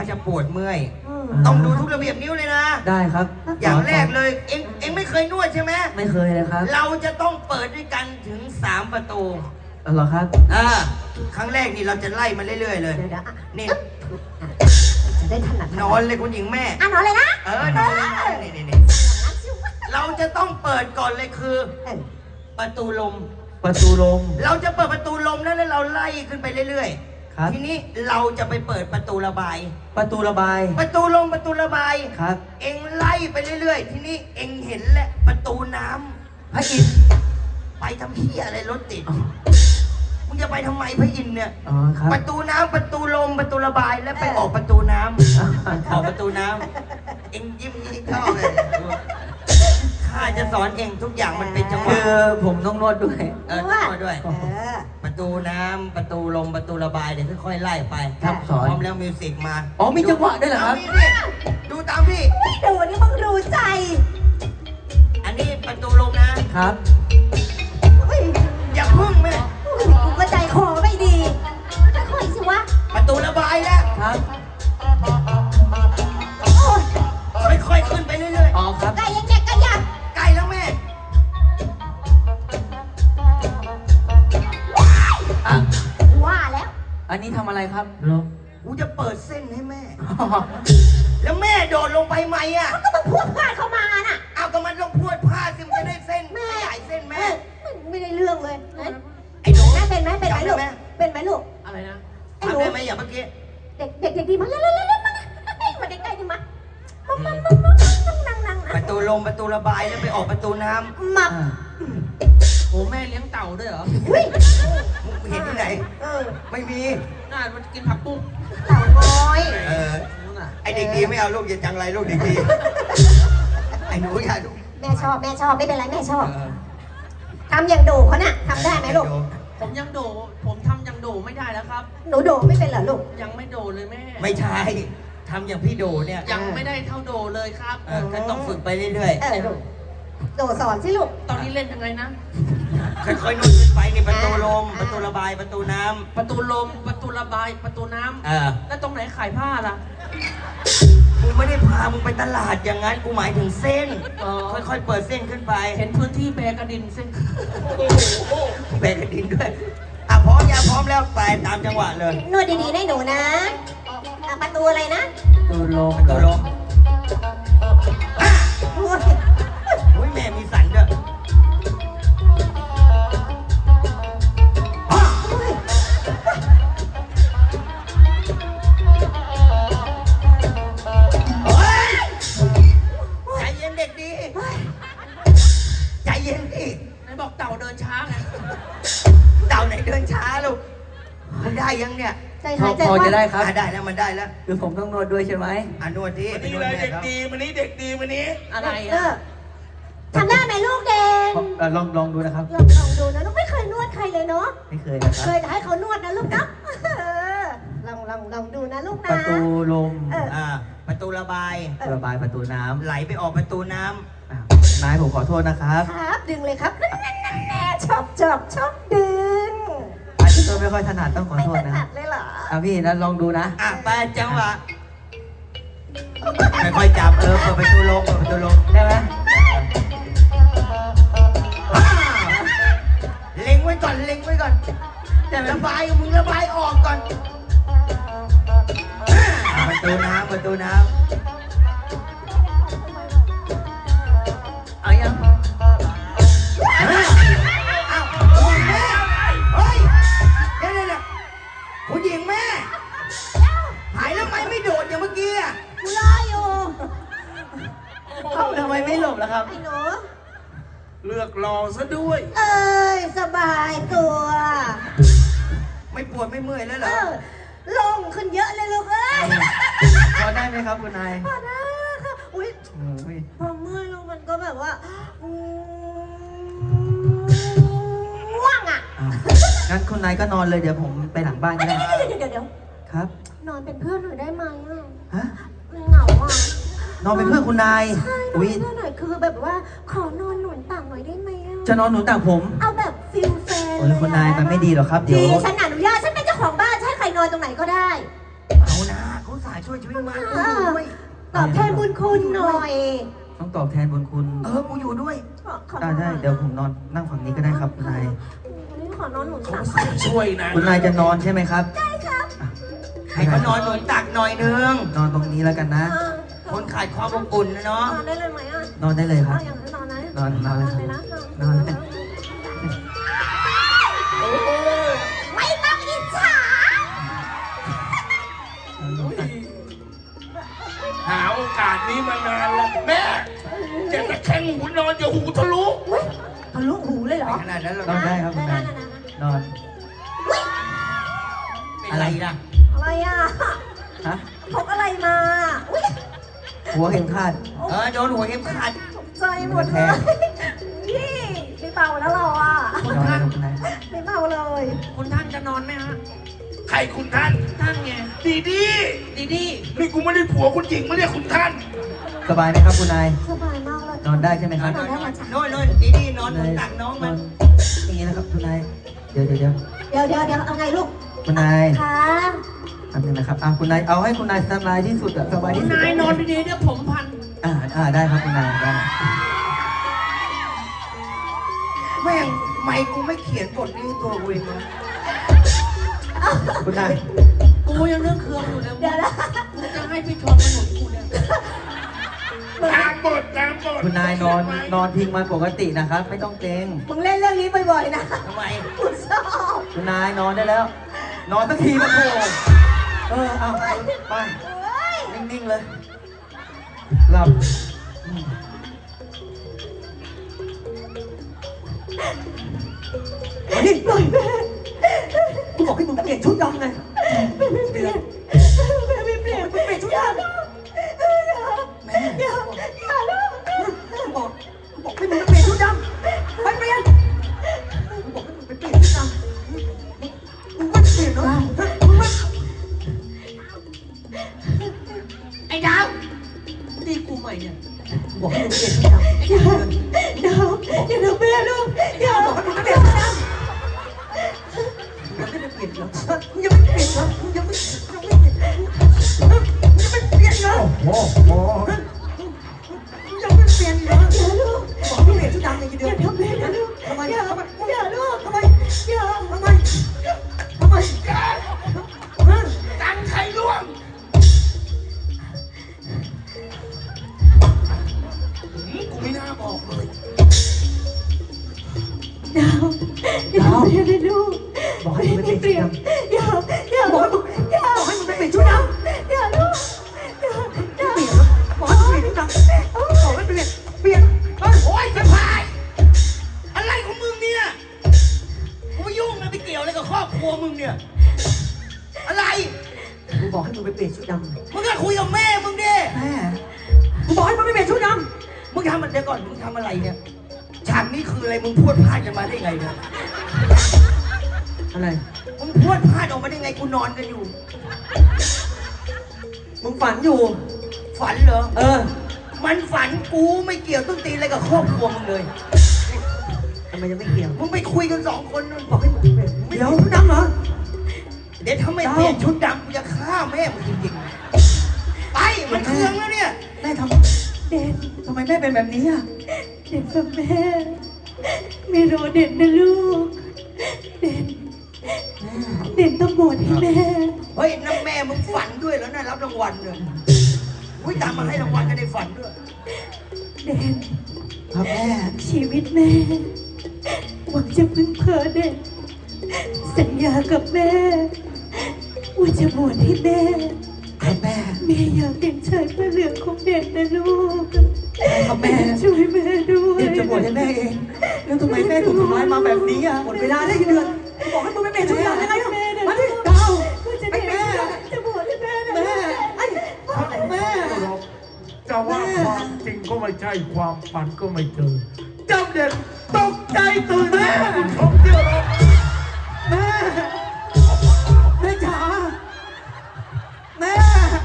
จะปวดเมื่อยต้องดูทุกระเบียบนิ้วเลยนะได้ครับอย่างแรกเลยเอ็งไม่เคยนวดใช่ไหมไม่เคยเลยครับเราจะต้องเปิดด้วยกันถึง3ประตูเหรอครับครั้งแรกนี่เราจะไล่มาเรื่อยๆเลยนี่จะได้ถนัดนอนเลยคุณหญิงแม่นอนเลยนะนอนนี่เราจะต้องเปิดก่อนเลยคือประตูลมเราจะเปิดประตูลมแล้วเราไล่ขึ้นไปเรื่อยๆทีนี้เราจะไปเปิดประตูระบายประตูลมประตูระบายครับเอ็งไล่ไปเรื่อยๆทีนี้เอ็งเห็นแหละประตูน้ำพระอินทร์ไปทำเหี้ยอะไรรถติดมึงจะไปทำไมพระอินทร์เนี่ยประตูน้ำประตูลมประตูระบายแล้วไปออกประตูน้ำออกประตูน้ำเอ็งยิ้มเข้าเลยข้าจะสอนเอ็งทุกอย่างมันเป็นจังหวะคือผมต้องนวดด้วยนวดด้วยประตูน้ำประตูลมประตูระบายเดี๋ยวค่อยๆไล่ไปครับสอนพร้อมแล้วมิวสิกมามีจังหวะด้วยเหรอครับดูตามพี่ดูนี่มึงรู้ใจอันนี้ประตูลมนะครับอย่าพึ่งแม่กูก็ใจคอไม่ดีค่อยๆสิวะประตูระบายแล้วครับค่อยๆขึ้นไปเรื่อยๆครับไก่ยังเด็กกันยังใกล้แล้วแม่ว่าแล้วอันนี้ทำอะไรครับกูจะเปิดเส้นให้แม่แล้วแม่โดดลงไปไหมอ่ะก็มันพูดพลาดเข้ามาน่ะก็มันต้องพูดพลาดสิมันจะได้เส้นแม่ใหญ่เส้นแม่ไม่ได้เรื่องเลยไอ้หนูแม่เป็นไหมลูกเป็นไหมลูกอะไรนะทำได้ไหมอย่างเมื่อกี้เด็กดีมาเร็วมาใกล้ๆดิมานั่งประตูลมประตูระบายแล้วไปออกประตูน้ำมาโอ้แม่เลี้ยงเต่าด้วยเหรอเห็นที่ไหนไม่มีน่ามันกินผักปุ้งเต่าน้อยไอเด็กดีไม่เอาลูกอย่าจังไรลูกเด็กดีไอหนูอย่าลูกแม่ชอบไม่เป็นไรแม่ชอบทำอย่างโดเขาน่ะทำได้ไหมลูกผมยังโดผมทำยังโดไม่ได้แล้วครับหนูโดไม่เป็นเหรอลูกยังไม่โดเลยแม่ไม่ใช่ทำอย่างพี่โดเนี่ยยังไม่ได้เท่าโดเลยครับก็ต้องฝึกไปเรื่อยๆโดสอนสิลูกตอนนี้เล่นยังไงนะค่อยๆนุ่นขึ้นไปในประตูลมประตูระบายประตูน้ำประตูลมประตูระบายประตูน้ำแล้วตรงไหนขายผ้าล่ะกูไม่ได้พามึงไปตลาดอย่างนั้นกูหมายถึงเส้นค่อยๆเปิดเส้นขึ้นไปเห็นพื้นที่แบกระดินเส้นแบกระดินด้วยพร้อมยังพร้อมแล้วไปตามจังหวะเลยนวดดีๆได้หนูนะประตูอะไรนะประตูลมโอ้ยแม่มีสันด้วยใจเย็นเด็กดีใจเย็นดิไหนบอกเต่าเดินช้าไงเต่าไหนเดินช้าลูกมันได้ยังเนี่ยพอจะได้ครับได้แล้วมันได้แล้วคือผมต้องนวดด้วยใช่ไหมนวดที่นี่เลยเด็กดีมันนี้เด็กดีมันนี้อะไรทำได้ไหมลูกเด่นลองดูนะครับลองดูนะลูกไม่เคยนวดใครเลยเนาะไม่เคยนะครับเคยให้เขานวดนะลูกนะลองดูนะลูกนะประตูลมประตูระบายประตูน้ำไหลไปออกประตูน้ำนายผมขอโทษนะครับครับดึงเลยครับชอบดึงอาจจะไม่ค่อยถนัดต้องขอโทษนะถนัดเลยเหรอพี่นั้นลองดูนะไปจังหวะค่อยๆจับเปิดประตูลมได้ไหมเล็งไว้ก่อนระบายมึงระบายออกก่อนประตูน้ำเอายังผู้หญิงแม่หายแล้วไม่โดดอย่างเมื่อกี้กูรออยู่ทำไมไม่หลบล่ะครับไอ้หนูเลือกรอซะด้วยสบายตัวไม่ปวดไม่เมื่อยแล้วเหรอลงขึ้นเยอะเลยลูกพอได้ไหมครับคุณนายพอได้ค่ะอุ้ยพอเมื่อยลงมันก็แบบว่าง่วงอ่ะงั้นคุณนายก็นอนเลยเดี๋ยวผมไปหลังบ้านก็ได้เดี๋ยวครับนอนเป็นเพื่อนหน่อยได้ไหมฮะเหงาอ่ะนอนเป็นเพื่อนคุณนายใช่นอนเป็นเพื่อนหน่อยคือแบบว่าขอนอนหนุนต่างหน่อยได้ไหมจะนอนหนุนต่างผมเอาแบบฟิลแฟนเลยคุณนายมันไม่ดีหรอครับเดี๋ยวฉันอนุญาตฉันเป็นเจ้าของบ้านใช่ใครนอนตรงไหนก็ได้เอานะเขาสายช่วยชีวิตมากูอยู่ด้วยตอบแทนบุญคุณหน่อยต้องตอบแทนบุญคุณกูอยู่ด้วยได้เดี๋ยวผมนอนนั่งฝั่งนี้ก็ได้ครับคุณนายขอนอนหนุนเขาตักช่วยนะคุณนายจะนอนใช่ไหมครับได้ครับให้เขานอนหนุนตักหน่อยนึงนอนตรงนี้แล้วกันนะคนขาดความอบอุ่นนะเนาะนอนได้เลยไหมอ่ะนอนได้เลยครับอย่างนั้นนอนนะนอนเลยเลยนะนอนเลยไม่ต้องอิจฉาหาโอกาสนี้มานานแล้วแม่จะตะแคงหูนอนอย่าหูทะลุทะลุหูเลยเหรอขนาดนั้นหรอนอนได้ครับคุณนายนอนอะไรนะอะไรอ่ะฮะพกอะไรมาอุ้ยหัวเข็มขัดโดนหัวเข็มขัดใจหมดเลยนี่ไม่เบาแล้วเราอ่ะนอนเลยครับคุณนายไม่เบาเลยคุณท่านจะนอนไหมฮะใครคุณท่านท่านไงดีดีดีดีนี่กูไม่ได้ผัวคุณหญิงไม่ได้คุณท่านสบายไหมครับคุณนายสบายมากเลยนอนได้ใช่ไหมครับโน่นดีนอนหนุนตักน้องมันอย่างนี้นะครับคุณนาย เดี๋ยวเดี๋ยวเอาไงลูกคุณนายค่ะทำยังไงครับคุณนายเอาให้คุณนายสบายที่สุดอะสบายคุที่ณสุดนายนอนดีๆเดี๋ยวผมพันได้ครับคุณนายได้แม่งไม่กูไม่เขียนบทนี้ให้ตัวกูเองนะคุณนายกูยังเรื่องเครื่องอยู่เลยเดี๋ยวนะกูจะให้พี่ชมมาหนุนกูเนี่ยตามบทตามบทคุณนายนอนพิงมันปกตินะครับ ไม่ต้องเกรงมึงเล่นเรื่องนี้บ่อยๆนะทำไมกูชอบคุณนายนอนได้แล้ว นอนสักทีมาโถเอาไปเฮ้ยนิ่งๆเลย หลับนี่ปล่อยแม่กูบอกให้มึงเปลี่ยนชุดดำไงเปลี่ยนแม่ไม่เปลี่ยนไม่เปลี่ยนชุดยาลูกอย่าลูกกูบอกให้มึงเปลี่ยนชุดดำไปเปลี่ยนกูบอกให้มึงไปเปลี่ยนชุดดำมึงไม่เปลี่ยนเหรอมึงไม่ไอ้ดาวตีกูใหม่เนี่ยกูบอกให้มึงเปลี่ยนชุดดำอย่าทำแม่ลูกอย่าบอกให้มึงเปลี่ยนชุดดำมึงยังไม่เปลี่ยนเหรอมึงยังไม่เปลี่ยนเหรอมึงยังไม่เปลี่ยนเหรอโอ้โหยังไม่เปลี่ยนเหรออย่าลูกบอกให้เปลี่ยนชุดดำเลยทีเดีอยวย่าทำแม่นะลูกทำไมอย่าทำไมอย่าลูกทำไมอย่าทำไมทำไมตังใครร่วงกูไม่น่าบอกเลยดาวอย่าทำแม่นะลูกบอกให้มึงไปเปลี่ยนชุดดำอย่าบอกให้มึงอย่าบอกให้มึงไปเปลี่ยนชุดดำอย่าลูกอย่าเปลี่ยนบอกให้มึงเปลี่ยนชุดดำบอกให้เปลี่ยนเปลี่ยนเฮ้ยโอ๊ยจะพาย อะไรของมึงเนี่ยกูไม่ยุ่งนะไปเกี่ยวอะไรกับครอบครัวมึงเนี่ย อะไรกูบอกให้มึงไปเปลี่ยนชุดดำมึงก็คุยกับแม่มึงดิแม่กูบอกให้มึงไปเปลี่ยนชุดดมึงทำมันเดี๋ยวก่อน มึงทำอะไรเนี่ย ฉากนี้คืออะไร มึงพูดพลาดกันมาได้ไงเนี่ยำอะไรมึงพูดพลาดออกมาได้ไง กูนอนกันอยู่มึงฝันอยู่ฝันเหรอมันฝันกูไม่เกี่ยวต้นตีนอะไรกับครอบครัวมึงเลยทำไมยังไม่เกี่ยวมึงไปคุยกัน2 คนนู่นบอกให้มึงเปลี่ยนเดี๋ยวชุดดำเหรอเดี๋ยวถ้าไม่เปลี่ยนชุดดำกูจะฆ่าแม่มึงจริงๆ ไป มันเคืองแล้วเนี่ยแม่ทเด่นำทำไมแม่เป็นแบบนี้อ่ะเด่นฟังแม่ไม่รอเด่นนะลูก เด่นต้องบวชให้แม่เฮ้ยนั่นแม่มึงฝันด้วยแล้วน่ารับรางวัลเลยอุ้ยตามมาให้รางวัลกันในฝันด้วยเด่นครับแม่ชีวิตแม่หวังจะพึ่งพาเด่นสัญญากับแม่ว่าจะบวชให้แม่ครับแม่แม่อยากเป็นชายพระเหลืองของเด่นนะลูกครับแม่ช่วยแม่ด้วยเดี๋ยวจะบวชให้แม่เอง แล้วทำไมแม่ถูกทำร้ายมาแบบนี้อ่ะหมดเวลาได้กี่เดือนกูบอกให้มึงไปเปลี่ยนชุดดำยังไงอ่ะมาดิดาวว่าจะไอ้เด่นแม่จะบวชให้แม่นะแม่ไอ้แม่จะว่าความจริงก็ไม่ใช่ความฝันก็ไม่เจอเจ้าเด็กตกใจตื่นแม่ชมเที่ยวเราแม่แม่จ๋าแม่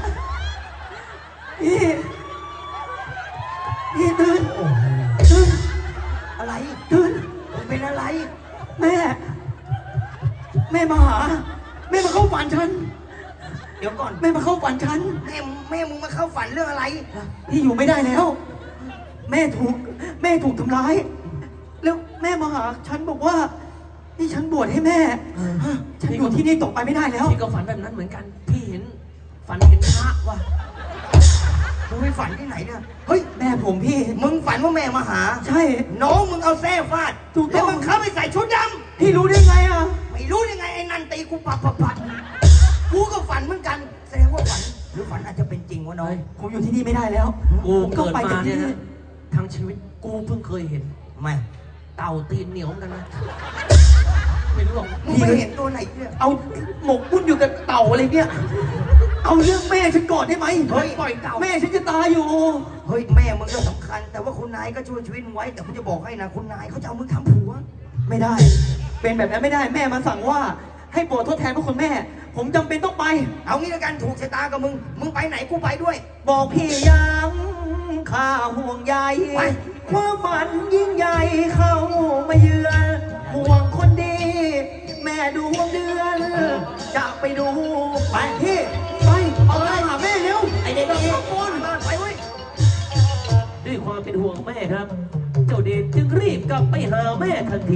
พี่ตื่นตื่นอะไรตื่นมึงเป็นอะไรแม่มาหา แม่มาเข้าฝันฉันเดี๋ยวก่อนแม่มาเข้าฝันฉันแม่มึงมาเข้าฝันเรื่องอะไรพี่อยู่ไม่ได้แล้ว แม่ถูกทำร้าย แล้วแม่มาหาฉันบอกว่านี่ฉันบวชให้แม่ ฉันอยู่ที่นี่ต่อไปไม่ได้แล้วพี่ก็ฝันแบบนั้นเหมือนกัน พี่เห็นฝันเห็นพระว่ะมึงไปฝันที่ไหนเนี่ยเฮ้ยแม่ผมพี่มึงฝันว่าแม่มาหาใช่น้องมึงเอาแส้ฟาดถูกต้องแล้วมึงเข้าไปใส่ชุดดพี่รู้ได้ไงอ่ะำไม่รู้ยังไงไอ้นันตีกูปัดกูก็ฝันเหมือนกัน แสดงว่าฝันหรือฝันอาจจะเป็นจริงวะน้อยผมอยู่ที่นี่ไม่ได้แล้วกูผมเกิดไปมาจากเนี่ยที่นะทั้งชีวิตกูเพิ่งเคยเห็นไม่เต่าตีนเหนียวเหมือนกันนะ ไม่รู้หรอกมึงไม่เห็นตัวไหนเนี่ยเอาหมกมุ่นอยู่กับเต่าอะไรเนี่ย เอาเรื่องแม่ฉันก่อนได้ไหมเฮ้ยปล่อยเต่าแม่ฉันจะตายอยู่เฮ้ยแม่มึงก็สำคัญ แต่ว่าคุณนายก็ช่วยชีวิตมึงไว้ แต่กูจะบอกให้นะคุณนายเขาจะเอามึงทำผัวไม่ได้ เป็นแบบนั้นไม่ได้ แม่มาสั่งว่า ให้โปรดทดแทนพระคุณแม่ ผมจำเป็นต้องไปเอางี้ละกันถูกชะตากับมึง มึงไปไหนกูไปด้วยบอกพี่ยังข้าห่วงใยไปความฝันยิ่งใหญ่เข้ามาเยือนห่วงคนดี แม่ดวงเดือน จะไปดู ไปพี่ ไปเอาไปหาแม่เร็วไอเด็กนี่ตะโกนไปเว้ยด้วยความเป็นห่วงแม่ครับ เจ้าเดชจึงรีบกลับไปหาแม่ทันที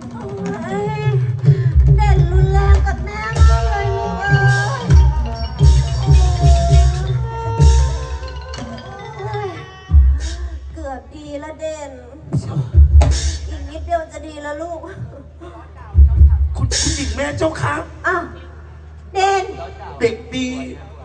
เด่นรุนแรงกับแม่มากเลยลูกเอ้ยเกือบดีละเด่น อีกนิดเดียวจะดีแล้วลูกคุณหญิงแม่เจ้าค่ะอ้าว เด่นเด็กดี